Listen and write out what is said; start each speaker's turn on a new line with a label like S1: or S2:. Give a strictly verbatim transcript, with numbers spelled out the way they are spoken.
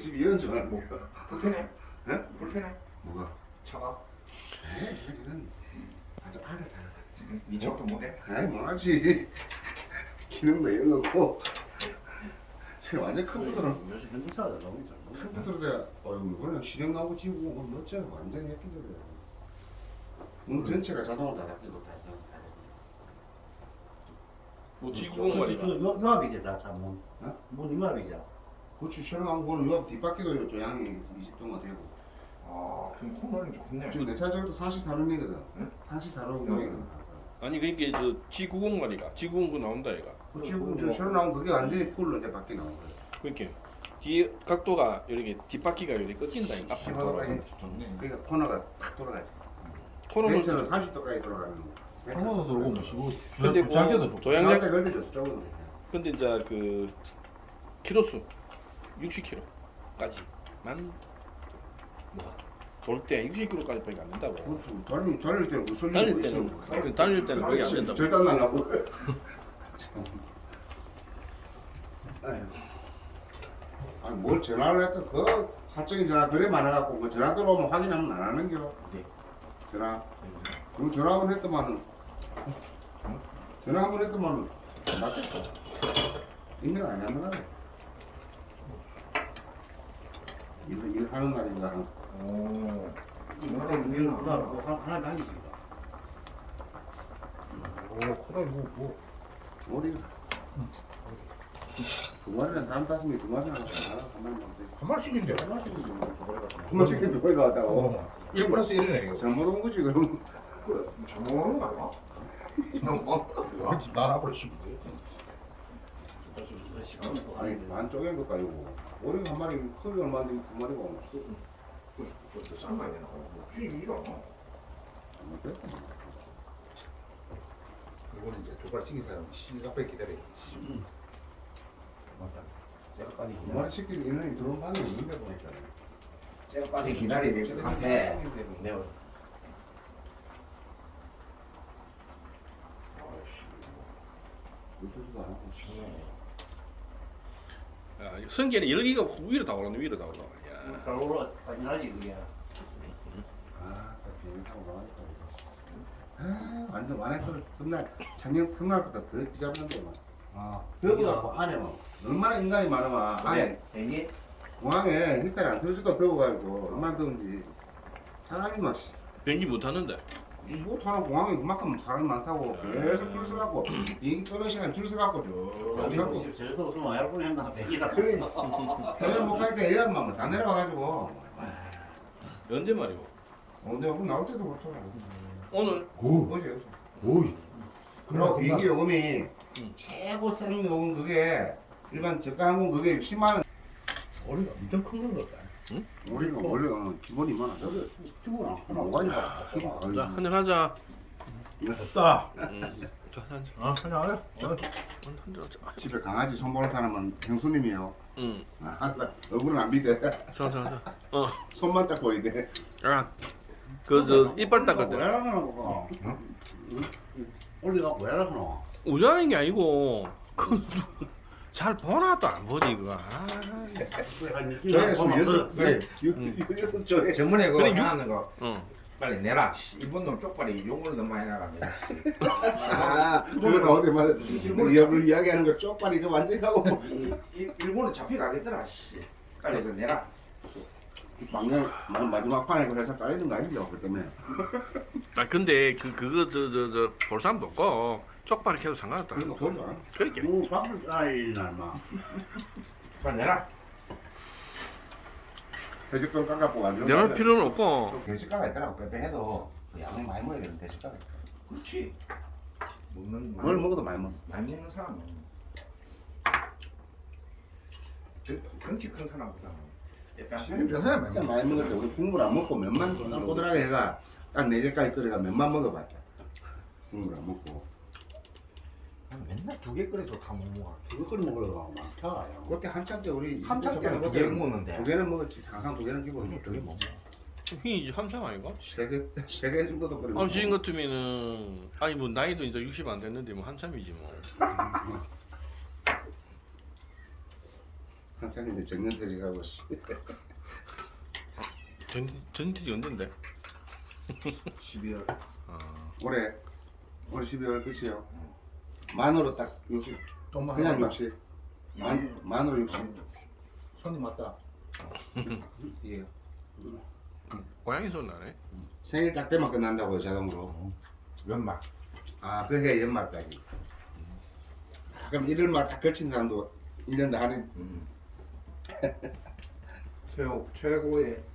S1: 집 이런 줄 알고.
S2: 불편해?
S1: 예?
S2: 불편해?
S1: 뭐가?
S2: 차가?
S1: 에이, 지금 아주 알을 다.
S2: 미쳐도 못해?
S1: 아이, 뭐하지. 기능도 이런 거고. 지금 완전 컴퓨터는
S3: 요새 핸드사가 너무 잘.
S1: 컴퓨터로 어이구 그냥 실행 나오고 지고 뭐 멋져 완전 예쁘더래. 문 전체가 자동으로 다 닫히고 다 다.
S4: 뭐
S3: 저
S4: 지구공간이가
S3: 요- 요압이지 다 참.
S1: 어?
S3: 문 요압이죠.
S1: 그렇지 실행하고 그거는 요 뒷바퀴도 조향이 이십 도가 되고.
S2: 아 그럼 코너는 좋네.
S1: 지금 내 차저도 사십사룸이거든.
S2: 응?
S1: 사십사룸이거든.
S4: 아니 그러니까 저 지구공간이가 지구공간 나온다 이가.
S1: 지금 저 새로 나온 그게 완전히 풀로 이제 바뀌 나온 거야.
S4: 그러니까 뒤에 각도가 이렇게 뒷바퀴가 이렇게 꺾인다 이가. 앞에 돌아.
S1: 십오 도까지
S2: 좋네.
S1: 그러니까 코너가 탁 돌아가지.
S4: 코너는
S1: 벤츠는 삼십 도까지 돌아가는 거.
S5: 코너도 들어오고 뭐 십오
S4: 근데
S5: 주장계도
S4: 그
S5: 좋고
S4: 도양-
S1: 저한테 걸려줘 저거는.
S4: 근데 이제 그 키로수 육십 킬로까지만 뭐가 돌 때 육십 킬로까지밖에 안 된다고.
S1: 그것도 달릴 달릴 때는 그 소리
S4: 달릴 때는 그 달릴 때는 그게 안 된다고.
S1: 절단 날라고. 참. 아유. 아니 뭘 전화를 했다 그 사적인 전화 그래 많아갖고 그 전화 들어오면 확인하면 안 하는겨.
S2: 네.
S1: 전화. 그 전화 한번 했더만은 전화 한번 했더만은 맞겠어. 인명 안 하는 거야. 일, 일 하는 날인가.
S2: 오.
S3: 이거는 이거 누가 뭐 하나 하나 하기십니다.
S5: 오 코다리 뭐 뭐.
S1: 머리. 두 마리는 다른 다섯이 두 마리 하나 한 마리만 돼.
S5: 한 마리씩인데
S1: 한 마리씩 두 마리가 왔다고.
S5: 어, 일 플러스 일이네 이거.
S1: 잘못 온 거지 그럼.
S2: 저모는 거 아니야?
S5: 아, 난 앞으로 씹으면 돼.
S1: 아니 반 쪼갠 것도 아니고 오리 한 마리 크기 얼마인데 두 마리가 오나.
S2: 그것도 삶아야 되나? 뭐 쥐기 이러.
S5: 이거는 이제 두 발 치기 사람 시간밖에 기다려.
S3: 쇠까지
S1: 두 마리 시키는 인원이 들어온 방이 없는데 보니까.
S2: 쇠까지 기다려야 돼. 카페.
S3: 매워.
S1: 어쩌지도 않고.
S4: 야, 성게는 열기가 위로 다 올라오네 위로 다 올라와. 야.
S3: 달고로 당연하지 그게.
S1: 아, 비행기 타고 나가니까 그래서. 아, 완전 완했던 첫날 작년 첫날보다 더 비잡는데 막.
S3: 아,
S1: 더워갖고 안에 막 얼마나 인간이 많으면 안에
S2: 대기?
S1: 공항에 힐까지 안 틀어지도 더워가지고 얼마나 더운지 사람이 막
S4: 변기 못 하는데.
S1: 못하는 공항에 그만큼 사람이 많다고 계속 줄 서갖고 비행기 떠는 시간 줄 서갖고 쭉 가고
S3: 저도 무슨 와이프 했나 백이다.
S1: 그래 해외 못갈 때 예약만 다 내려와가지고
S4: 언제 말이고?
S1: 어, 내가 오늘 나올 때도 그렇더라.
S4: 오늘
S5: 오,
S1: 어제 어제.
S5: 오이.
S1: 그리고 비행기 요금이
S4: 응.
S1: 최고 싼 요금 그게 일반 저가 항공 그게 십만 원.
S5: 머리가 엄청 큰 건 같다.
S1: 우리가 원래 어, 기본이 많아. 저거
S3: 주문 안 하나.
S1: 뭐가 있나?
S4: 자 한잔 하자.
S5: 됐다.
S4: 음. 자 한잔.
S5: 아, 하자 하자. 어.
S4: 한잔 하자.
S1: 집에 강아지 손보는 사람은 형수님이요.
S4: 응.
S1: 아, 얼굴은 안 믿대.
S4: 자자자. 어.
S1: 손만 딱 보이대.
S4: 야. 그저 이빨 닦을
S3: 왜
S4: 때.
S3: 하나 그거. 올리가 왜 하나?
S4: 우자는 게 아니고 그 잘 보나 또 안 보지 그거. 아.
S1: 저에서 여섯
S3: 네.
S1: 개. 여섯 조에.
S2: 전문에 그거
S4: 그래, 육-
S2: 하는 거
S4: 응.
S2: 빨리 내라. 씨, 일본 놈 쪽발이 욕을 너무 많이 나가네.
S1: 아, 그건 어디 말 이야기를 이야기하는 거 쪽발이 그 완전히 하고
S2: 일본은 잡혀가겠더라. 씨. 빨리 그 내라.
S1: 막내 마지막 판에 그래서 깔리는 거 아니죠? 그 때문에.
S4: 아 근데 그 그거 저 저 저 볼 사람도 없고 쪽발이 계속 상관없다.
S1: 그래도 좋아.
S4: 그렇게.
S3: 뭐 밥을 아이 날마.
S2: 빨리 내라.
S1: 돼지권 깎아고 완전.
S4: 내놓을 필요는 없고.
S1: 돼지가가 있더라고. 빼빼해도 그 양이 많이 먹어야 되는 돼지가가 있다.
S2: 그렇지. 먹는
S1: 뭘 먹어도 많이 먹어.
S2: 많이 먹는 사람은 저 덩치 큰 사람보다
S1: 지금 평소에 진짜 많이 먹을 때 우리 국물 안 먹고 면만 꼬들꼬들하게 해가 딱 네 개까지 끓여가 면만 먹어봤자. 국물 안 먹고.
S2: 맨날 두 개 끓여도 다 못 먹어.
S3: 그거 끓여 먹으려고 많다.
S1: 그때 한참 때 우리
S2: 한참 때는 두개 먹는데.
S1: 두 개는 먹었지. 항상 두 개는 기본이지.
S2: 두개 먹어.
S4: 이 함상 아닌가?
S1: 세개세 개 정도도 끓여.
S4: 아 지금 같으면은 아니 뭐 나이도 이제 육십 안 됐는데 뭐 한참이지 뭐.
S1: 천천히 이제 정년퇴직하고 씨.
S4: 전 전투지 언젠데?
S2: 십이월.
S4: 아,
S1: 올해 올 십이월 끝이요. 만으로 딱 육십.
S5: 좀만
S1: 그냥
S5: 하자.
S1: 육십. 만 만으로 육십.
S5: 손님 맞다. 예.
S4: 고양이 소리 나네.
S1: 생일 딱 때만 끝난다고요 자동으로.
S2: 연말.
S1: 아 그 해 연말까지. 아, 그럼 일일만 딱 걸친 사람도 일 년도 하는.
S2: 최고 최고의